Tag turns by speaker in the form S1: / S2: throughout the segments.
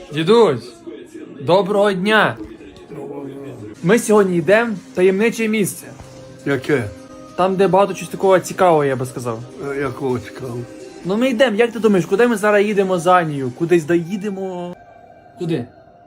S1: Дідусь, доброго дня! Ми сьогодні йдемо в таємниче місце.
S2: Яке?
S1: Там, де багато чогось такого цікавого, я би сказав.
S2: Якого цікавого?
S1: Ну ми йдемо, як ти думаєш, куди ми зараз їдемо за Анію? Кудись доїдемо? Куди?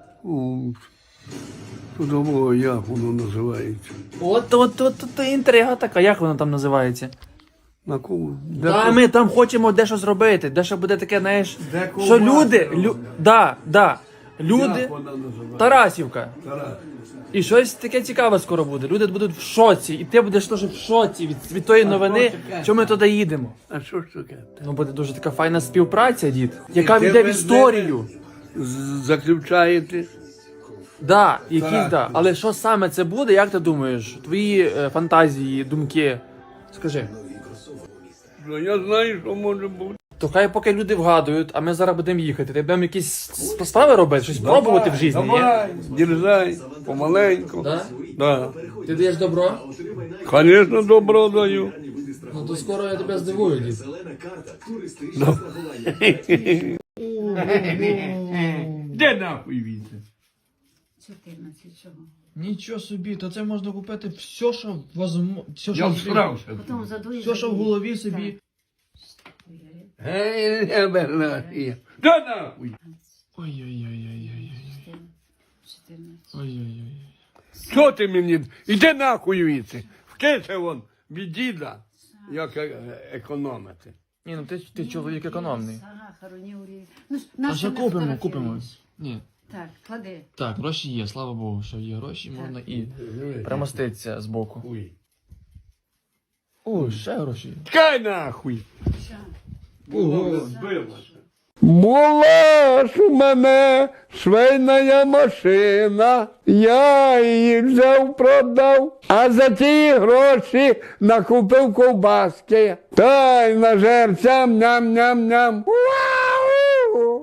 S2: Подумав, як воно називається.
S1: От інтрига така, як вона там називається?
S2: На кого?
S1: Та ми там хочемо дещо зробити, дещо буде таке, знаєш,
S2: Де
S1: що
S2: ковбаска
S1: люди, люди,
S2: Як вона називається?
S1: Тарасівка.
S2: Тарас.
S1: І щось таке цікаве скоро буде. Люди будуть в шоці, і ти будеш теж в шоці від тої новини,
S2: таке?
S1: що ми туди їдемо.
S2: А що ж таке?
S1: Ну буде дуже така файна співпраця, дід, яка
S2: ти
S1: війде в
S2: без
S1: історію.
S2: Заключаєте?
S1: Да, якісь,
S2: Так.
S1: да. Але що саме це буде, як ти думаєш? Твої фантазії, думки. Скажи.
S2: Ну, я знаю, що може бути.
S1: То хай поки люди вгадують, а ми зараз будемо їхати. Ти будемо якісь справи робити, щось пробувати в житті, ні?
S2: Давай, дерзай, помаленьку.
S1: Да?
S2: Да.
S1: Ти даєш добро?
S2: Звісно, добро даю.
S1: Ну то скоро я тебе здивую, дід.
S2: Де нахуй він?
S3: 14 чого?
S1: Нічого собі, то це можна купити все, що возможно. Все,
S2: Я всрався.
S3: Потім задуєш.
S1: все, що в голові собі.
S2: Гей, не бернахи. Де нахуй?
S1: Ой-ой-ой-ой-ой.
S3: 14.
S1: Ой-ой-ой.
S2: Що ти мені? Іди нахуй віці. Вкиси вон від діда, як економити.
S1: Ні, ну ти чоловік економний.
S3: Сахару, ні олії. Ну, ж,
S1: А
S3: нащо
S1: що
S3: ми
S1: купимо?
S3: фотографуємось?
S1: Ні.
S3: Так, клади.
S1: Так, гроші є, слава Богу, що є гроші, можна і примоститися з боку.
S2: Хуй.
S1: О, ще гроші.
S2: Чекай нахуй.
S3: Що?
S1: Ого.
S2: Була ж у мене швейна машина, я її взяв, продав, а за ті гроші накупив ковбаски. Та й нажерцям ням-ням-ням. Вау!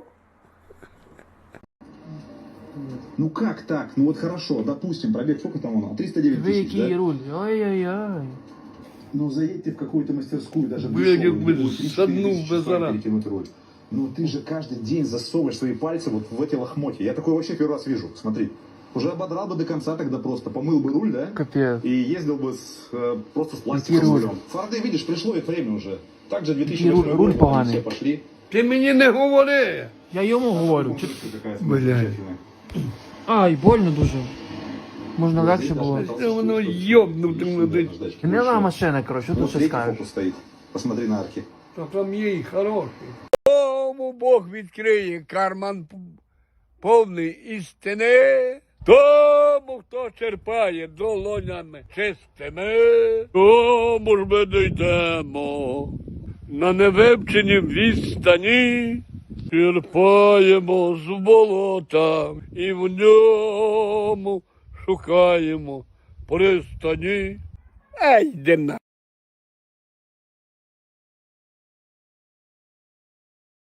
S4: Ну как так? Ну вот хорошо, допустим, пробег сколько там он? 309
S1: Ви
S4: тысяч,
S1: який
S4: да?
S1: руль? Ой-ой-ой.
S4: Ну заедь ты в какую-то мастерскую, даже
S2: Блядь,
S4: дешевую,
S2: бы
S4: где будет 3-4
S2: саднул
S4: тысячи
S2: бы
S4: стоит
S2: зараз.
S4: перекинуть руль. Ну ты же каждый день засовываешь свои пальцы вот в эти лохмотья. Я такое вообще первый раз вижу, смотри. Уже ободрал бы до конца тогда просто, помыл бы руль, да?
S1: Капець.
S4: И ездил бы просто с пластиком
S1: Какие
S4: с
S1: руль?
S4: рулем. Форды, видишь, пришло их время уже. Также
S1: Какие
S4: 2008
S1: руль
S4: год,
S1: поганый.
S4: все пошли.
S2: Ти мені не говори.
S1: Я йому говорю. Чи...
S4: Какая
S2: Блядь.
S4: замечательная.
S1: Ай, больно дуже. Можна легше було.
S2: Це воно йобнути мене.
S1: Гнила машина, коротше, що ти
S4: Вот
S1: ще
S4: третий
S1: скажеш?
S4: фокус стоит. Посмотри на арки.
S2: Та там є і хороший. Тому Бог відкриє карман повний істини. Тому, хто черпає долонями чистими, тому ж ми дійдемо на невивченій відстані. Черпаємо з болота і в ньому шукаємо пристані. Ей, де на.